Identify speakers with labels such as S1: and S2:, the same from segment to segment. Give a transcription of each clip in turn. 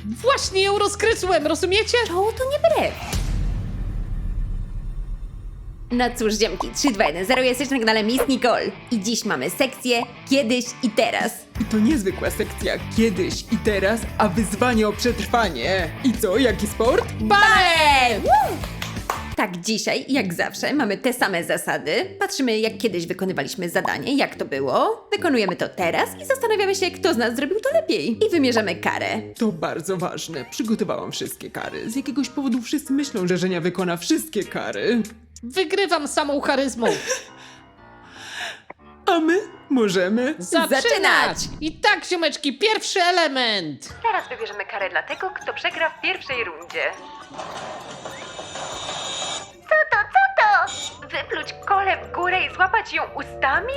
S1: Właśnie ją rozkrysłem, rozumiecie?
S2: To nie brew. No cóż, ziomki, 3, 2, 1, 0, jesteś na kanale Miss Nicole. I dziś mamy sekcję Kiedyś i Teraz.
S3: I to niezwykła sekcja kiedyś i teraz, a wyzwanie o przetrwanie. I co, jaki sport?
S2: Balet! Tak, dzisiaj, jak zawsze, mamy te same zasady. Patrzymy, jak kiedyś wykonywaliśmy zadanie, jak to było. Wykonujemy to teraz i zastanawiamy się, kto z nas zrobił to lepiej. I wymierzamy karę.
S3: To bardzo ważne. Przygotowałam wszystkie kary. Z jakiegoś powodu wszyscy myślą, że Żenia wykona wszystkie kary.
S1: Wygrywam samą charyzmą.
S3: A my możemy.
S2: Zaczynać!
S1: I tak, ziomeczki, pierwszy element.
S2: Teraz wybierzemy karę dla tego, kto przegra w pierwszej rundzie. Co to? Wypluć kolę w górę i złapać ją ustami?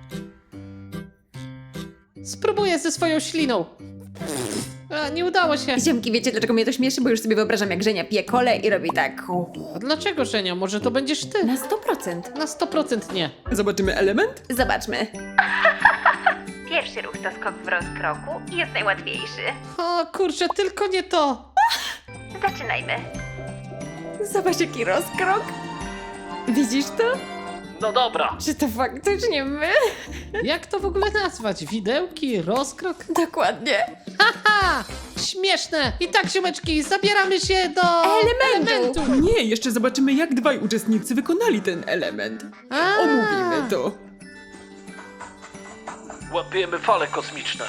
S1: Spróbuję ze swoją śliną. A, nie udało się.
S2: Ziomki, wiecie dlaczego mnie to śmieszy? Bo już sobie wyobrażam, jak Żenia pije kolę i robi tak.
S1: A dlaczego, Żenia? Może to będziesz ty?
S2: Na 100%.
S1: Na 100% nie.
S3: Zobaczymy element?
S2: Zobaczmy. Pierwszy ruch to skok w rozkroku i jest najłatwiejszy.
S1: O kurczę, tylko nie to.
S2: Zaczynajmy. Zobacz, jaki rozkrok. Widzisz to?
S1: No dobra.
S2: Czy to faktycznie my?
S1: Jak to w ogóle nazwać? Widełki? Rozkrok?
S2: Dokładnie.
S1: Haha! Śmieszne! I tak, ziomeczki, zabieramy się do...
S2: Elementu.
S3: Nie, jeszcze zobaczymy, jak dwaj uczestnicy wykonali ten element.
S1: A.
S3: Omówimy to.
S4: Łapiemy fale kosmiczne.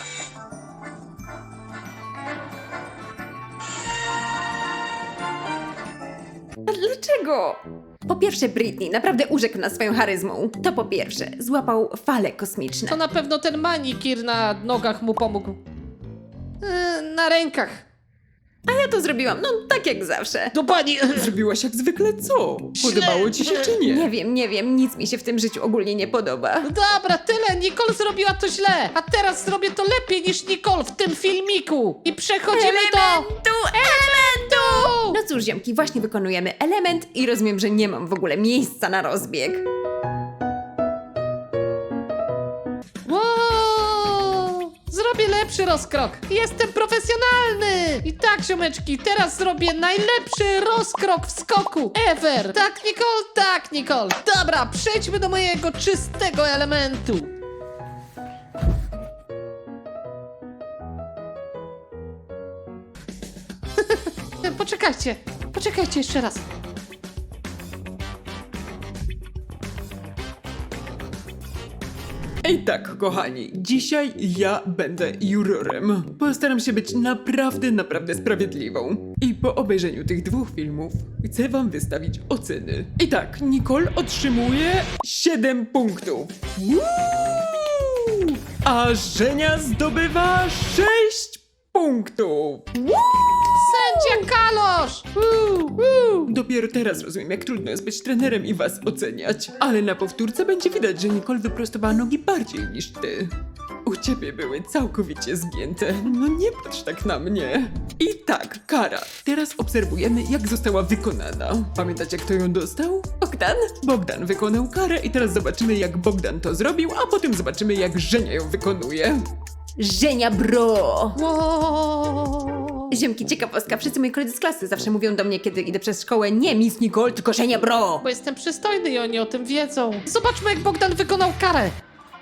S2: A dlaczego? Po pierwsze, Britney naprawdę urzekł nas swoją charyzmą. To po pierwsze, złapał fale kosmiczne.
S1: To na pewno ten manikir na nogach mu pomógł. Na rękach.
S2: A ja to zrobiłam, no tak jak zawsze.
S1: Do pani...
S3: Zrobiłaś jak zwykle co? Podobało ci się czy nie?
S2: Nie wiem, nic mi się w tym życiu ogólnie nie podoba.
S1: Dobra, tyle. Nicole zrobiła to źle. A teraz zrobię to lepiej niż Nicole w tym filmiku. I przechodzimy do...
S2: Elementu! No cóż, ziomki, właśnie wykonujemy element i rozumiem, że nie mam w ogóle miejsca na rozbieg.
S1: Wow! Zrobię lepszy rozkrok. Jestem profesjonalny. I tak, ziomeczki, teraz zrobię najlepszy rozkrok w skoku ever. Tak, Nicole? Tak, Nicole. Dobra, przejdźmy do mojego czystego elementu. Poczekajcie jeszcze raz.
S3: Ej tak, kochani, dzisiaj ja będę jurorem. Postaram się być naprawdę sprawiedliwą. I po obejrzeniu tych dwóch filmów chcę wam wystawić oceny. I tak, Nicole otrzymuje 7 punktów. Woo! A Żenia zdobywa 6 punktów.
S1: Sędzia Kalosz!
S3: Dopiero teraz rozumiem, jak trudno jest być trenerem i was oceniać. Ale na powtórce będzie widać, że Nicole wyprostowała nogi bardziej niż ty. U ciebie były całkowicie zgięte. No nie patrz tak na mnie. I tak, kara. Teraz obserwujemy, jak została wykonana. Pamiętacie, kto ją dostał?
S2: Bogdan?
S3: Bogdan wykonał karę i teraz zobaczymy, jak Bogdan to zrobił, a potem zobaczymy, jak Żenia ją wykonuje.
S2: Żenia bro!
S1: Wow.
S2: Ziomki, ciekawostka, wszyscy moi koledzy z klasy zawsze mówią do mnie, kiedy idę przez szkołę, nie Miss Nicole, tylko Żenia bro!
S1: Bo jestem przystojny i oni o tym wiedzą. Zobaczmy, jak Bogdan wykonał karę.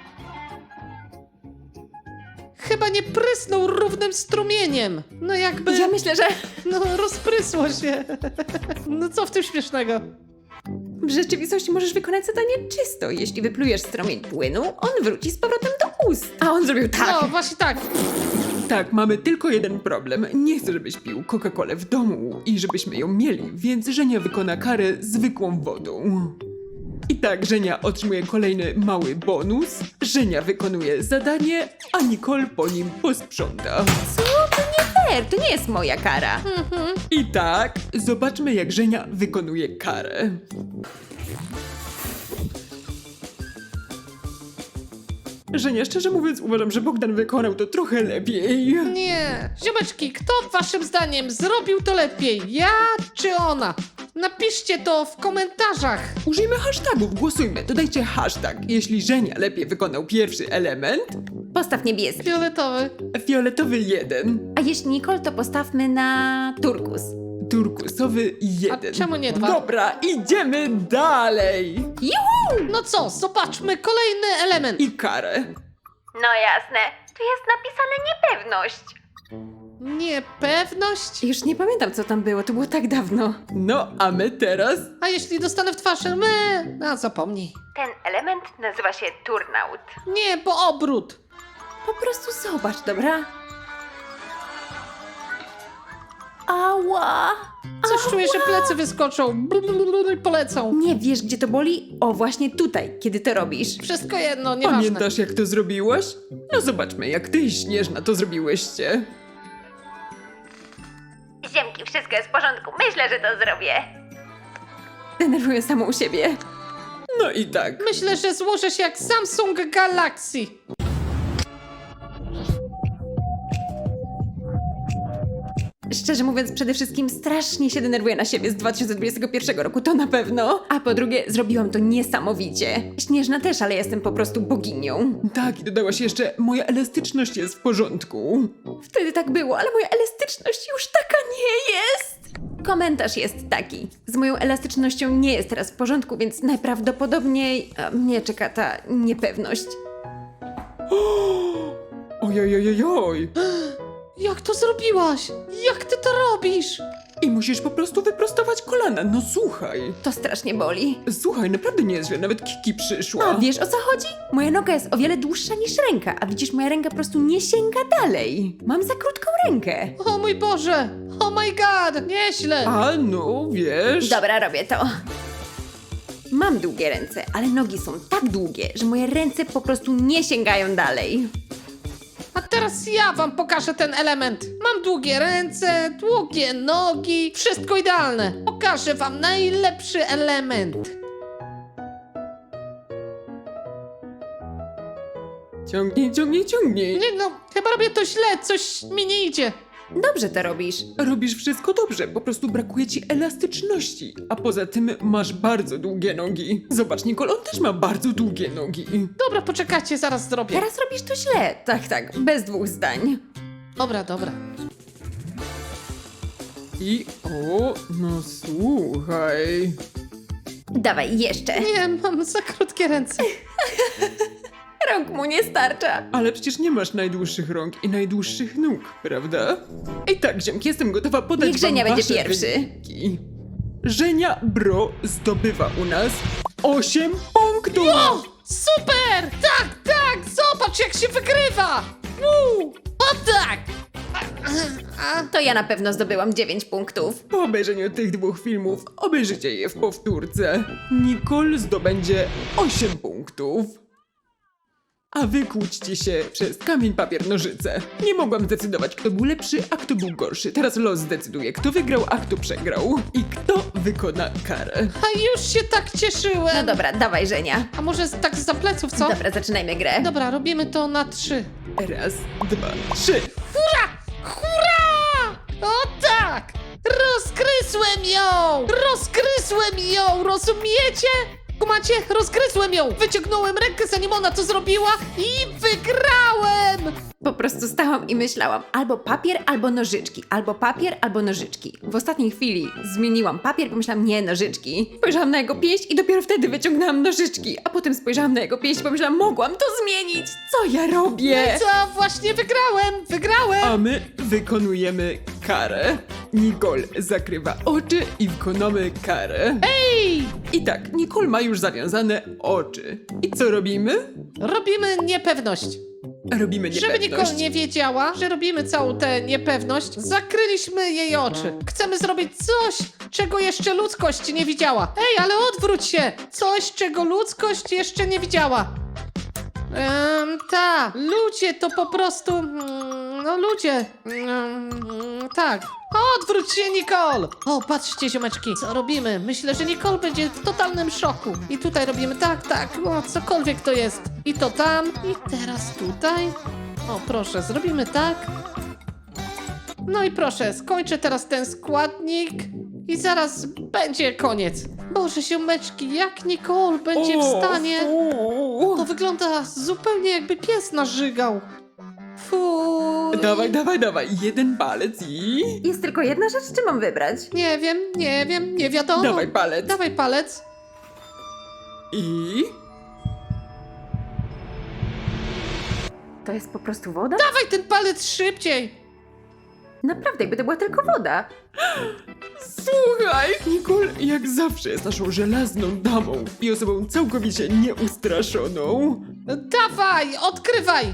S1: Chyba nie prysnął równym strumieniem. No jakby...
S2: Ja myślę, że
S1: No rozprysło się. No co w tym śmiesznego?
S2: w rzeczywistości możesz wykonać zadanie czysto. Jeśli wyplujesz strumień płynu, on wróci z powrotem do ust. A on zrobił tak.
S1: No właśnie tak.
S3: Tak, mamy tylko jeden problem. Nie chcę, żebyś pił Coca-Colę w domu i żebyśmy ją mieli, więc Żenia wykona karę zwykłą wodą. I tak, Żenia otrzymuje kolejny mały bonus, Żenia wykonuje zadanie, a Nicole po nim posprząta.
S2: Co? To nie fair, to nie jest moja kara.
S3: I tak, zobaczmy, jak Żenia wykonuje karę. Żenia, szczerze mówiąc, uważam, że Bogdan wykonał to trochę lepiej.
S1: Nie. Ziomeczki, kto waszym zdaniem zrobił to lepiej? Ja czy ona? Napiszcie to w komentarzach.
S3: Użyjmy hashtagów, głosujmy, dodajcie hashtag. Jeśli Żenia lepiej wykonał pierwszy element,
S2: Postaw niebieski.
S1: Fioletowy.
S3: fioletowy 1,
S2: A jeśli Nicole, to postawmy na turkus.
S3: turkusowy 1.
S1: A czemu nie 2?
S3: Dobra, idziemy dalej.
S2: Juhu!
S1: No co, zobaczmy kolejny element.
S3: I karę.
S2: No jasne. Tu jest napisane niepewność.
S1: Niepewność?
S2: Już nie pamiętam, co tam było, to było tak dawno.
S3: No, a my teraz?
S1: A jeśli dostanę w twarz, zapomnij.
S2: Ten element nazywa się turnaut.
S1: Nie, bo obrót.
S2: Po prostu zobacz, dobra? Ała!
S1: Coś czuję, że plecy wyskoczą. I polecą.
S2: Nie wiesz, gdzie to boli? O, właśnie tutaj, kiedy to robisz.
S1: Wszystko jedno, nieważne.
S3: Pamiętasz, jak to zrobiłaś? No zobaczmy, jak ty i Śnieżna to zrobiłyście.
S2: Ziemki, wszystko jest w porządku. Myślę, że to zrobię. Denerwuję samą siebie.
S3: No i tak.
S1: Myślę, że złożę się jak Samsung Galaxy.
S2: Szczerze mówiąc, przede wszystkim strasznie się denerwuję na siebie z 2021 roku, to na pewno. A po drugie, zrobiłam to niesamowicie. Śnieżna też, ale jestem po prostu boginią.
S3: Tak, i dodałaś jeszcze, moja elastyczność jest w porządku.
S2: Wtedy tak było, ale moja elastyczność już taka nie jest. Komentarz jest taki. Z moją elastycznością nie jest teraz w porządku, więc najprawdopodobniej mnie czeka ta niepewność.
S3: Ojojojojoj.
S1: Jak to zrobiłaś? Jak ty to robisz?
S3: I musisz po prostu wyprostować kolana, no słuchaj.
S2: To strasznie boli.
S3: Słuchaj, naprawdę nie jest źle, nawet Kiki przyszła.
S2: A wiesz, o co chodzi? Moja noga jest o wiele dłuższa niż ręka, a widzisz, moja ręka po prostu nie sięga dalej. Mam za krótką rękę.
S1: O mój Boże! Oh my God! Nieźle!
S3: A no, wiesz...
S2: Dobra, robię to. Mam długie ręce, ale nogi są tak długie, że moje ręce po prostu nie sięgają dalej.
S1: A teraz ja wam pokażę ten element. Mam długie ręce, długie nogi, wszystko idealne. Pokażę wam najlepszy element.
S3: Ciągnij, ciągnij, ciągnij.
S1: Nie no, chyba robię to źle, coś mi nie idzie.
S2: Dobrze to robisz.
S3: Robisz wszystko dobrze, po prostu brakuje ci elastyczności. A poza tym masz bardzo długie nogi. Zobacz, Nicole, on też ma bardzo długie nogi.
S1: Dobra, poczekajcie, zaraz zrobię.
S2: Teraz robisz to źle. Tak, bez dwóch zdań.
S1: Dobra, dobra.
S3: I o, no słuchaj.
S2: Dawaj, jeszcze.
S1: Nie, mam za krótkie ręce.
S2: Rąk mu nie starcza.
S3: Ale przecież nie masz najdłuższych rąk i najdłuższych nóg, prawda? I tak, ziomki, jestem gotowa podać
S2: Niech Żenia
S3: wam
S2: będzie
S3: wasze
S2: pierwszy.
S3: wyniki. Żenia Bro zdobywa u nas 8 punktów!
S1: O, super! Tak, zobacz jak się wygrywa! O tak!
S2: To ja na pewno zdobyłam 9 punktów.
S3: Po obejrzeniu tych dwóch filmów obejrzycie je w powtórce. Nicole zdobędzie 8 punktów. A wy kłóćcie się przez kamień, papier, nożyce. Nie mogłam zdecydować, kto był lepszy, a kto był gorszy. Teraz los zdecyduje, kto wygrał, a kto przegrał. I kto wykona karę.
S1: A już się tak cieszyłem.
S2: No dobra, dawaj, Żenia.
S1: A może tak za pleców, co?
S2: Dobra, zaczynajmy grę.
S1: Dobra, robimy to na 3.
S3: Raz, dwa, trzy.
S1: Hurra! O tak! Rozgryzłem ją! Rozgryzłem ją! Rozumiecie? Kumacie? Rozgryzłem ją! Wyciągnąłem rękę, zanim ona to zrobiła i wygrałem!
S2: Po prostu stałam i myślałam, albo papier, albo nożyczki, albo papier, albo nożyczki. W ostatniej chwili zmieniłam papier, pomyślałam, nie, nożyczki. Spojrzałam na jego pięść i dopiero wtedy wyciągnęłam nożyczki, a potem spojrzałam na jego pięść i pomyślałam, mogłam to zmienić. Co ja robię?
S1: Co? Właśnie wygrałem! Wygrałem!
S3: A my wykonujemy karę. Nicole zakrywa oczy i wykonamy karę.
S1: Ej!
S3: I tak, Nicole ma już zawiązane oczy. I co robimy?
S1: Robimy niepewność.
S3: Robimy
S1: Żeby
S3: niepewność.
S1: Nicole nie wiedziała, że robimy całą tę niepewność, zakryliśmy jej oczy. Chcemy zrobić coś, czego jeszcze ludzkość nie widziała. Ej, ale odwróć się! Coś, czego ludzkość jeszcze nie widziała. Ludzie to po prostu... no ludzie. Tak. Odwróć się, Nicole! O, patrzcie, ziomeczki, co robimy? Myślę, że Nicole będzie w totalnym szoku. I tutaj robimy tak, o, cokolwiek to jest. I to tam, i teraz tutaj. O, proszę, zrobimy tak. No i proszę, skończę teraz ten składnik i zaraz będzie koniec. Boże, ziomeczki, jak Nicole będzie w stanie... To wygląda zupełnie jakby pies narzygał. Fuj.
S3: Dawaj, jeden palec i...
S2: Jest tylko jedna rzecz, czy mam wybrać?
S1: Nie wiem, nie wiadomo.
S3: Dawaj palec.
S1: Dawaj palec.
S3: I...
S2: To jest po prostu woda?
S1: Dawaj ten palec szybciej.
S2: Naprawdę, jakby to była tylko woda.
S3: Słuchaj, Nicole jak zawsze jest naszą żelazną damą i osobą całkowicie nieustraszoną.
S1: Dawaj, odkrywaj.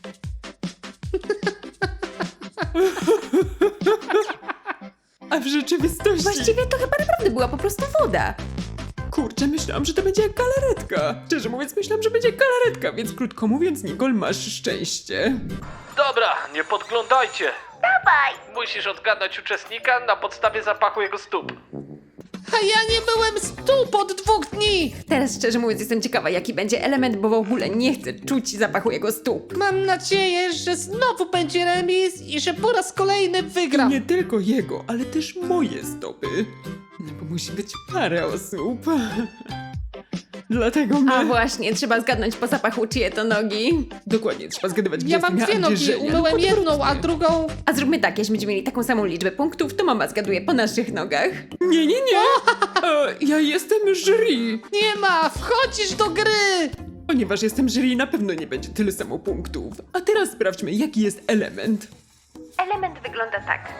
S3: A w rzeczywistości...
S2: Właściwie to chyba naprawdę była po prostu woda.
S3: Kurczę, myślałam, że to będzie jak galaretka. Szczerze mówiąc, myślałam, że będzie galaretka, więc krótko mówiąc, Nicole, masz szczęście.
S4: Dobra, nie podglądajcie. Dawaj! Musisz odgadnąć uczestnika na podstawie zapachu jego stóp.
S1: A ja nie byłem stóp od 2 dni.
S2: Teraz szczerze mówiąc jestem ciekawa, jaki będzie element, bo w ogóle nie chcę czuć zapachu jego stóp.
S1: Mam nadzieję, że znowu będzie remis i że po raz kolejny wygram.
S3: Nie tylko jego, ale też moje stopy. No bo musi być parę osób. Dlatego my...
S2: A właśnie, trzeba zgadnąć po zapachu, czyje to nogi.
S3: Dokładnie, trzeba zgadywać, gdzie
S1: Ja
S3: jest
S1: mam
S3: imię
S1: 2 nogi,
S3: Andrzeja,
S1: umyłem
S3: lub
S1: jedną, a
S3: odwrotnie.
S1: drugą...
S2: A zróbmy tak, jeśli będziemy mieli taką samą liczbę punktów, to mama zgaduje po naszych nogach.
S3: Nie. Ja jestem jury.
S1: Nie ma, wchodzisz do gry.
S3: Ponieważ jestem jury, na pewno nie będzie tyle samo punktów. A teraz sprawdźmy, jaki jest element.
S2: Element wygląda tak.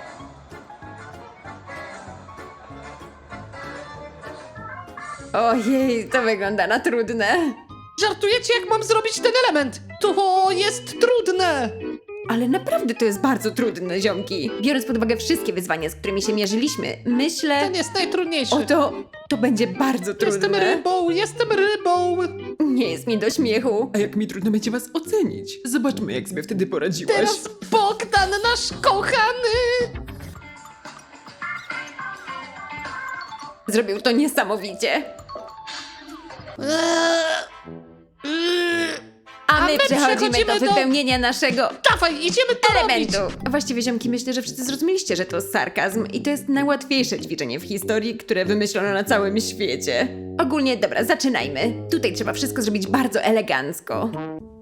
S2: Ojej, to wygląda na trudne.
S1: Żartujecie, jak mam zrobić ten element? To jest trudne.
S2: Ale naprawdę to jest bardzo trudne, ziomki. Biorąc pod uwagę wszystkie wyzwania, z którymi się mierzyliśmy, myślę...
S1: Ten jest najtrudniejszy.
S2: To będzie bardzo trudne.
S1: Jestem rybą.
S2: Nie jest mi do śmiechu.
S3: A jak mi trudno będzie was ocenić. Zobaczmy, jak sobie wtedy poradziłaś.
S1: Teraz Bogdan, nasz kochany.
S2: Zrobił to niesamowicie. A my przechodzimy do wypełnienia naszego
S1: Dawaj, idziemy to
S2: elementu.
S1: robić.
S2: Właściwie, ziomki, myślę, że wszyscy zrozumieliście, że to sarkazm i to jest najłatwiejsze ćwiczenie w historii, które wymyślono na całym świecie. Ogólnie, dobra, zaczynajmy. Tutaj trzeba wszystko zrobić bardzo elegancko.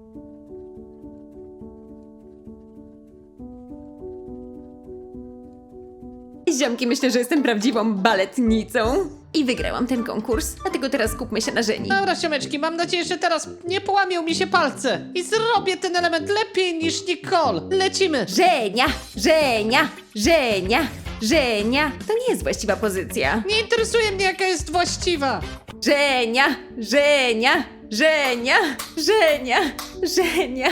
S2: Ziomki, myślę, że jestem prawdziwą baletnicą. I wygrałam ten konkurs, dlatego teraz skupmy się na Żeni.
S1: Dobra, siomeczki, mam nadzieję, że teraz nie połamią mi się palce. I zrobię ten element lepiej niż Nicole. Lecimy.
S2: Żenia, Żenia, Żenia, Żenia. To nie jest właściwa pozycja.
S1: Nie interesuje mnie, jaka jest właściwa.
S2: Żenia, Żenia, Żenia, Żenia, Żenia.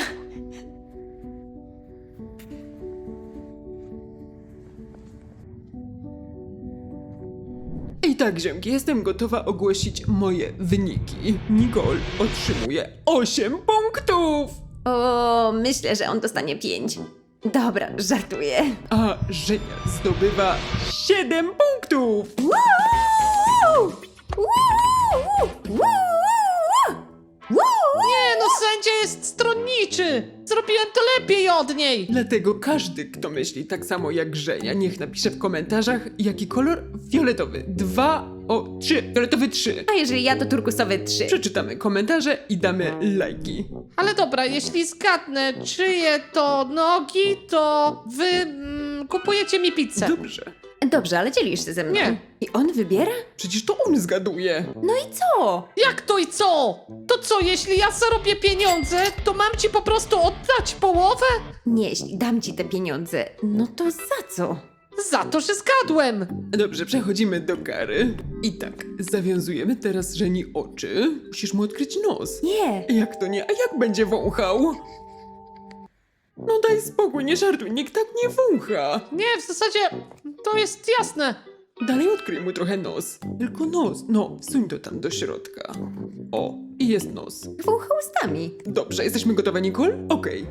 S3: I tak, ziomki, jestem gotowa ogłosić moje wyniki. Nicole otrzymuje 8 punktów,
S2: O, myślę, że on dostanie 5. Dobra, żartuję.
S3: a Żenia zdobywa 7 punktów.
S2: Woo! Woo! Woo! Woo!
S1: Nie, no sędzia jest stronniczy. Zrobiłem to lepiej od niej.
S3: Dlatego każdy, kto myśli tak samo jak Żenia, niech napisze w komentarzach, jaki kolor fioletowy. 3. Fioletowy 3.
S2: A jeżeli ja, to turkusowy 3.
S3: Przeczytamy komentarze i damy lajki.
S1: Ale dobra, jeśli zgadnę, czyje to nogi, to wy kupujecie mi pizzę.
S3: Dobrze.
S2: Dobrze, ale dzielisz się ze mną.
S1: Nie.
S2: I on wybiera?
S3: Przecież to on zgaduje.
S2: No i co?
S1: Jak to i co? To co, jeśli ja zarobię pieniądze, to mam ci po prostu oddać połowę?
S2: Nie, jeśli dam ci te pieniądze, no to za co?
S1: Za to, że zgadłem.
S3: Dobrze, przechodzimy do kary. I tak, zawiązujemy teraz Żeni oczy. Musisz mu odkryć nos.
S2: Nie.
S3: Jak to nie? A jak będzie wąchał? No daj spokój, nie żartuj, nikt tak nie wącha.
S1: Nie, w zasadzie to jest jasne.
S3: Dalej odkryj mu trochę nos. Tylko nos. No, wsuń to tam do środka. O, I jest nos.
S2: Wącha ustami.
S3: Dobrze, jesteśmy gotowe, Nicole? Okej.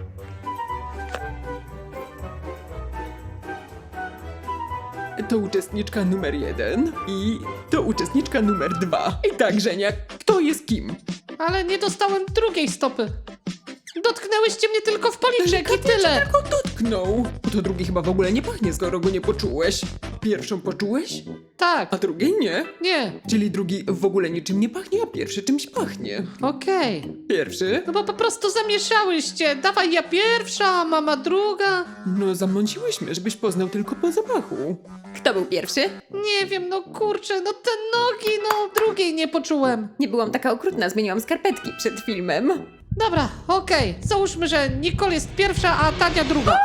S3: To uczestniczka numer 1 i to uczestniczka numer 2. I tak, Żenia, kto jest kim?
S1: Ale nie dostałem drugiej stopy. Dotknęłyście mnie tylko w policzek i tyle.
S3: Tylko dotknął. To drugi chyba w ogóle nie pachnie, skoro go nie poczułeś. Pierwszą poczułeś,
S1: Tak,
S3: a drugiej nie.
S1: nie,
S3: Czyli drugi w ogóle niczym nie pachnie, a pierwszy czymś pachnie.
S1: okej.
S3: Pierwszy?
S1: No bo po prostu zamieszałyście. Dawaj ja pierwsza, mama druga.
S3: No zamąciłyśmy, żebyś poznał tylko po zapachu.
S2: Kto był pierwszy?
S1: Nie wiem, no kurczę, no te nogi, no drugiej nie poczułem.
S2: Nie byłam taka okrutna, zmieniłam skarpetki przed filmem.
S1: Dobra, okej. Załóżmy, że Nicole jest pierwsza, a Tania druga.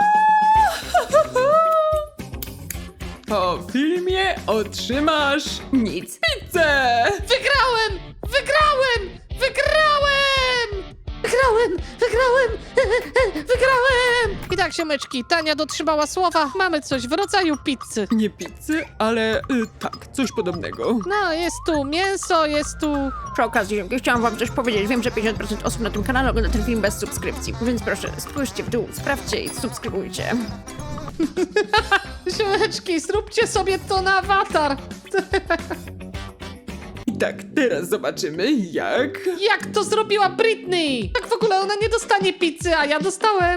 S3: Po filmie otrzymasz
S2: Nic.
S3: pizzę!
S1: Wygrałem! Wygrałem! Wygrałem! Wygrałem! Wygrałem! Wygrałem! I tak, siomeczki, Tania dotrzymała słowa. Mamy coś w rodzaju pizzy.
S3: Nie pizzy, ale tak, coś podobnego.
S1: No, jest tu mięso, jest tu...
S2: Przy okazji, chciałam wam coś powiedzieć. Wiem, że 50% osób na tym kanale ogląda ten film bez subskrypcji, więc proszę, spójrzcie w dół, sprawdźcie i subskrybujcie.
S1: Siomeczki, zróbcie sobie to na awatar.
S3: I tak, teraz zobaczymy jak...
S1: Jak to zrobiła Britney? Tak w ogóle ona nie dostanie pizzy, a ja dostałem.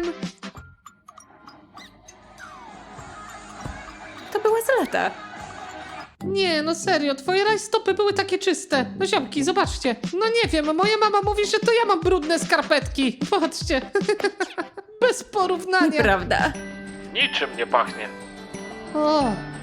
S2: To była zaleta.
S1: Nie, no serio, twoje rajstopy były takie czyste. No ziomki, zobaczcie. No nie wiem, moja mama mówi, że to ja mam brudne skarpetki. Patrzcie. Bez porównania.
S2: Prawda.
S4: Niczym nie pachnie.
S1: O.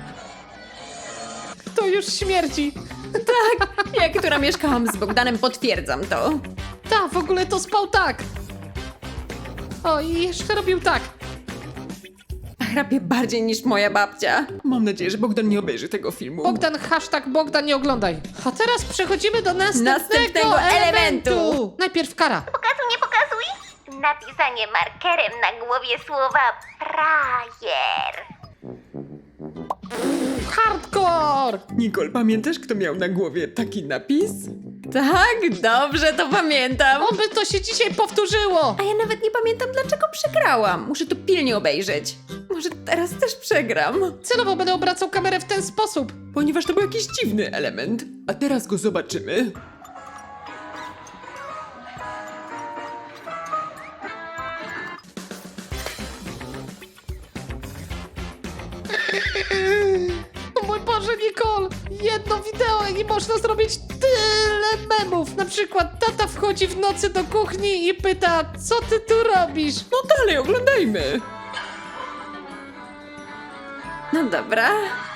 S1: To już śmierdzi.
S2: Ja, która mieszkałam z Bogdanem, potwierdzam to.
S1: Ta, w ogóle to spał tak. O, i jeszcze robił tak.
S2: Chrapie bardziej niż moja babcia.
S3: Mam nadzieję, że Bogdan nie obejrzy tego filmu.
S1: Bogdan, hashtag Bogdan, nie oglądaj. A teraz przechodzimy do następnego elementu. Najpierw kara.
S5: Pokazuj, nie pokazuj. Napisanie markerem na głowie słowa frajer.
S1: Hardcore.
S3: Nicole, pamiętasz, kto miał na głowie taki napis?
S2: Tak, dobrze to pamiętam.
S1: Oby to się dzisiaj powtórzyło.
S2: A ja nawet nie pamiętam, dlaczego przegrałam. Muszę to pilnie obejrzeć. Może teraz też przegram.
S1: Celowo będę obracał kamerę w ten sposób.
S3: Ponieważ to był jakiś dziwny element. A teraz go zobaczymy.
S1: O mój Boże, Nicole! Jedno wideo i można zrobić tyle memów. Na przykład tata wchodzi w nocy do kuchni i pyta, co ty tu robisz?
S3: No dalej, oglądajmy.
S2: No dobra.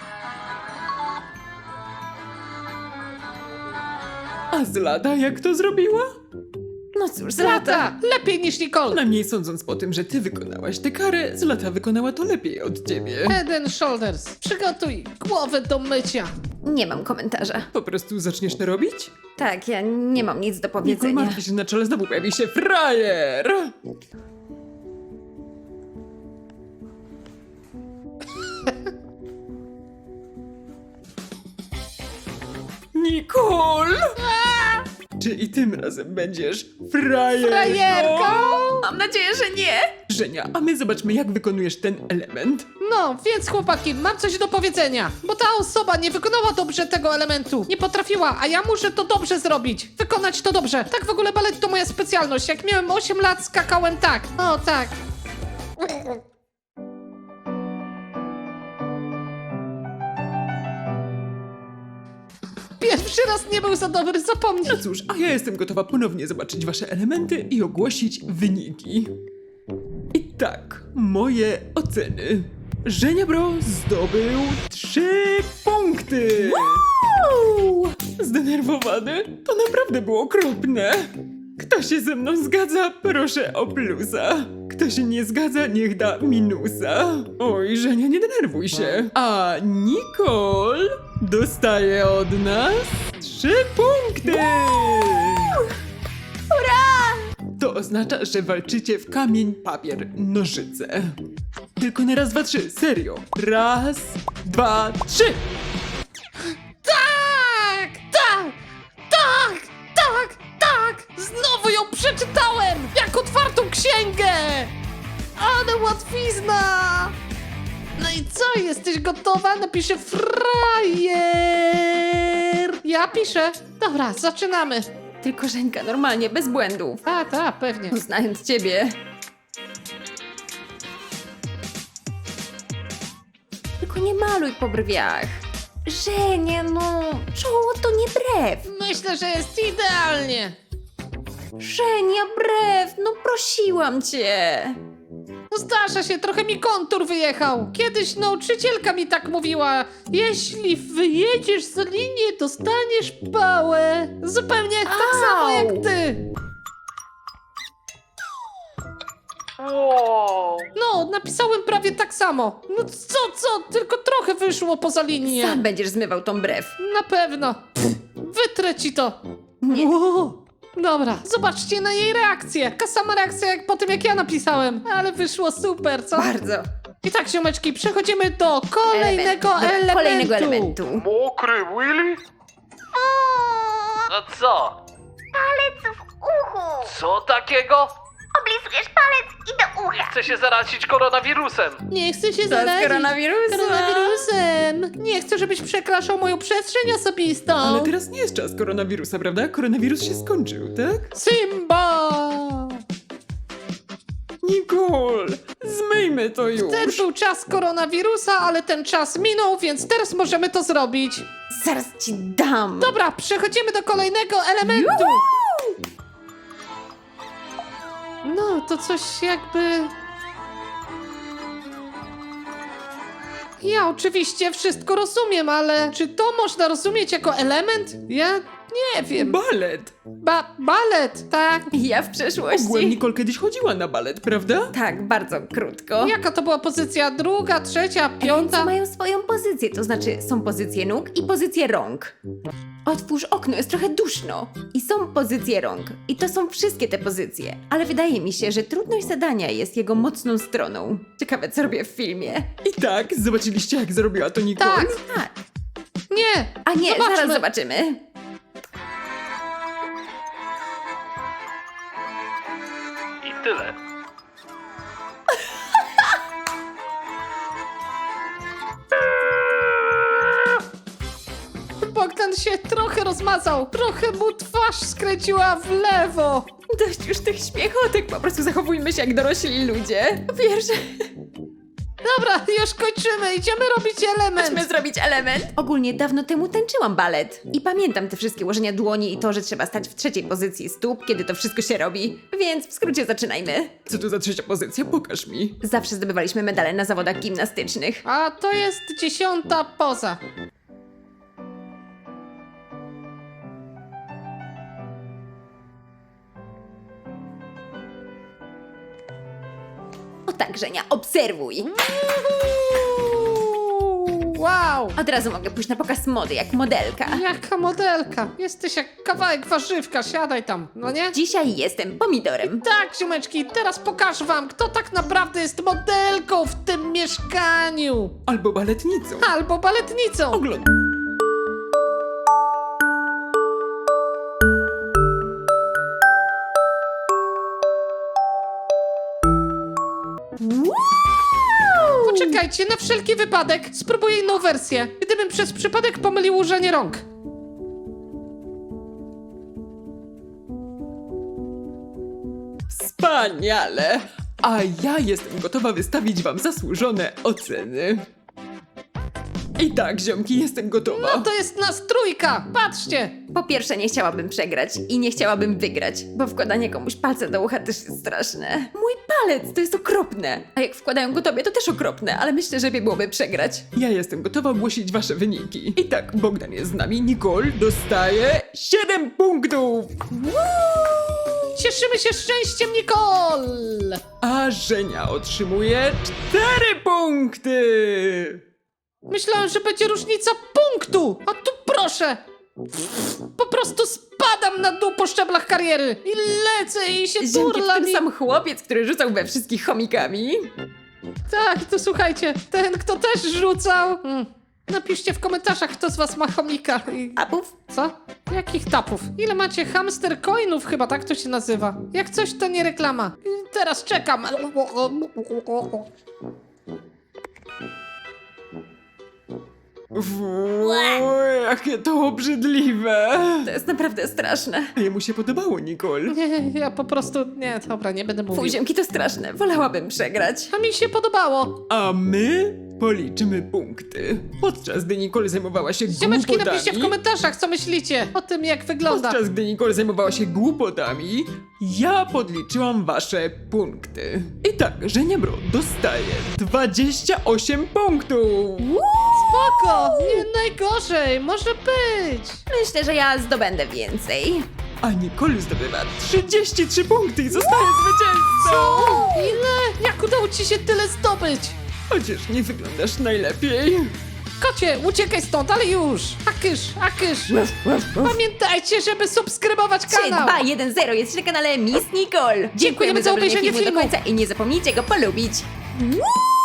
S3: A Zlata jak to zrobiła?
S2: No cóż, Zlata.
S1: Tata, lepiej niż Nicole.
S3: Najmniej sądząc po tym, że ty wykonałaś tę karę, Zlata wykonała to lepiej od ciebie.
S1: Head and shoulders. Przygotuj głowę do mycia.
S2: Nie mam komentarza.
S3: Po prostu zaczniesz to robić?
S2: Tak, ja nie mam nic do
S3: Nicole
S2: powiedzenia.
S3: martwi się, na czele znowu pojawi się frajer! Nicole! Czy i tym razem będziesz frajerką?
S1: Frajerką?
S2: Mam nadzieję, że nie.
S3: Żenia, a my zobaczmy, jak wykonujesz ten element.
S1: No, więc chłopaki, mam coś do powiedzenia. Bo ta osoba nie wykonała dobrze tego elementu. Nie potrafiła, a ja muszę to dobrze zrobić. Wykonać to dobrze. Tak w ogóle balet to moja specjalność. Jak miałem 8 lat, skakałem tak. O, tak. Pierwszy raz nie był za dobry, zapomnij.
S3: No cóż, a ja jestem gotowa ponownie zobaczyć wasze elementy i ogłosić wyniki. I tak, moje oceny. Żenia Bro zdobył 3 punkty!
S2: Wow!
S3: Zdenerwowany? To naprawdę było okropne. Kto się ze mną zgadza, proszę o plusa. Kto się nie zgadza, niech da minusa. Oj, Żenia, nie denerwuj się. A Nicole dostaje od nas 3 punkty! To oznacza, że walczycie w kamień, papier, nożyce. Tylko na raz, dwa, trzy, serio. Raz, dwa, trzy!
S1: Tak! Tak! Tak! Tak! Tak! przeczytałem! Jak otwartą księgę! Ale łatwizna! No i co, jesteś gotowa? Napiszę frajer! Ja piszę. Dobra, zaczynamy.
S2: Tylko Żeńka, normalnie, bez błędów.
S1: Ta, pewnie.
S2: Znając ciebie. Tylko nie maluj po brwiach. Żenia, no, czoło to nie brew.
S1: Myślę, że jest idealnie.
S2: Żenia, brew, no prosiłam cię.
S1: No zdarza się, trochę mi kontur wyjechał. Kiedyś nauczycielka mi tak mówiła. Jeśli wyjedziesz za linię, dostaniesz pałę. Zupełnie tak samo jak ty.
S4: Wow.
S1: No, napisałem prawie tak samo. No co, tylko trochę wyszło poza linię.
S2: Sam będziesz zmywał tą brew.
S1: Na pewno. Wytrę ci to.
S2: Nie.
S1: Wow. Dobra, zobaczcie na jej reakcję. Taka sama reakcja jak po tym, jak ja napisałem. Ale wyszło super, co?
S2: Bardzo.
S1: I tak, ziomeczki, przechodzimy do kolejnego
S2: Dobra,
S1: elementu.
S2: Kolejnego elementu.
S4: Mokry Willy? No co?
S5: Palec w uchu.
S4: Co takiego?
S5: Oblizujesz palec i do ucha.
S4: Chcę się zarazić koronawirusem.
S1: Nie chcę się
S2: To z
S1: zarazić
S2: koronawirusem.
S1: koronawirusem. Nie chcę, żebyś przekraczał moją przestrzeń osobistą.
S3: Ale teraz nie jest czas koronawirusa, prawda? Koronawirus się skończył, tak?
S1: Simba!
S3: Nicole, zmyjmy to już.
S1: Ten był czas koronawirusa, ale ten czas minął, więc teraz możemy to zrobić.
S2: Zaraz ci dam.
S1: Dobra, przechodzimy do kolejnego elementu. No, to coś jakby... Ja oczywiście wszystko rozumiem, ale czy to można rozumieć jako element? Ja nie wiem.
S3: Balet.
S1: Balet, tak?
S2: Ja w
S3: Ogółem
S2: przeszłości.
S3: Nicole kiedyś chodziła na balet, prawda?
S2: Tak, bardzo krótko.
S1: Jaka to była pozycja? Druga, trzecia,
S2: Ręce
S1: piąta?
S2: mają swoją pozycję, to znaczy są pozycje nóg i pozycje rąk. Otwórz okno, jest trochę duszno. I są pozycje rąk. I to są wszystkie te pozycje. Ale wydaje mi się, że trudność zadania jest jego mocną stroną. Ciekawe, co robię w filmie.
S3: I tak, zobaczyliście jak zrobiła to Nicole?
S1: Tak.
S2: Tak.
S1: Nie!
S2: A nie,
S1: Zobaczmy.
S2: zaraz zobaczymy.
S4: I tyle.
S1: Bogdan się trochę rozmazał. Trochę mu twarz skręciła w lewo.
S2: Dość już tych śmiechotek, po prostu zachowujmy się jak dorośli ludzie. Wiesz,
S1: Dobra, już kończymy. Idziemy robić element.
S2: chodźmy zrobić element. Ogólnie dawno temu tańczyłam balet. I pamiętam te wszystkie ułożenia dłoni i to, że trzeba stać w trzeciej pozycji stóp, kiedy to wszystko się robi. Więc w skrócie zaczynajmy.
S3: Co to za trzecia pozycja? Pokaż mi.
S2: Zawsze zdobywaliśmy medale na zawodach gimnastycznych.
S1: A to jest 10. poza.
S2: O tak, Żenia, obserwuj.
S1: Wow!
S2: Od razu mogę pójść na pokaz mody, jak modelka.
S1: Jaka modelka. Jesteś jak kawałek warzywka. Siadaj tam, no nie?
S2: Dzisiaj jestem pomidorem.
S1: Tak, ziomeczki, teraz pokażę wam, kto tak naprawdę jest modelką w tym mieszkaniu.
S3: Albo baletnicą.
S1: Albo baletnicą.
S3: Oglądaj.
S1: Poczekajcie, na wszelki wypadek spróbuję inną wersję. Gdybym przez przypadek pomylił ułożenie rąk.
S3: Wspaniale! A ja jestem gotowa wystawić wam zasłużone oceny. I tak, ziomki, jestem gotowa.
S1: No to jest nas trójka. Patrzcie.
S2: Po pierwsze, nie chciałabym przegrać i nie chciałabym wygrać, bo wkładanie komuś palca do ucha też jest straszne. Mój palec to jest okropne. A jak wkładają go tobie, to też okropne, ale myślę, że lepiej byłoby przegrać.
S3: Ja jestem gotowa ogłosić wasze wyniki. I tak, Bogdan jest z nami, Nicole dostaje 7 punktów,
S1: Cieszymy się szczęściem, Nicole.
S3: a Żenia otrzymuje 4 punkty.
S1: Myślałem, że będzie różnica punktu. A tu proszę. Po prostu spadam na dół po szczeblach kariery. I lecę i się
S2: Ziemki,
S1: turlam.
S2: ten sam chłopiec, który rzucał we wszystkich chomikami.
S1: Tak, to słuchajcie, ten kto też rzucał. Napiszcie w komentarzach, kto z was ma chomika.
S2: Apów?
S1: Co? Jakich tapów? Ile macie hamster coinów chyba, tak to się nazywa. Jak coś, to nie reklama. Teraz czekam.
S3: Jakie to obrzydliwe.
S2: To jest naprawdę straszne.
S3: Jemu się podobało, Nicole.
S1: Nie, ja po prostu... Nie, dobra, nie będę mówił.
S2: Fuj, ziomki, to straszne. Wolałabym przegrać.
S1: A mi się podobało.
S3: A my policzymy punkty. Podczas gdy Nicole zajmowała się
S1: Ziomeczki,
S3: głupotami...
S1: napiszcie w komentarzach, co myślicie o tym, jak wygląda.
S3: Podczas gdy Nicole zajmowała się głupotami, ja podliczyłam wasze punkty. I tak, Żeniabro dostaje 28 punktów.
S1: Spoko, nie najgorzej, może być.
S2: Myślę, że ja zdobędę więcej.
S3: A Nicole zdobywa 33 punkty i zostaje zwycięzcą.
S1: Ile? Jak udało ci się tyle zdobyć?
S3: Chociaż nie wyglądasz najlepiej.
S1: Kocie, uciekaj stąd, ale już! Akysz! Pamiętajcie, żeby subskrybować
S2: 3,
S1: kanał!
S2: 2, 1, 0. Jesteś na kanale Miss Nicole.
S1: Dziękujemy za obejrzenie
S2: do
S1: filmu.
S2: końca i nie zapomnijcie go polubić. Woo!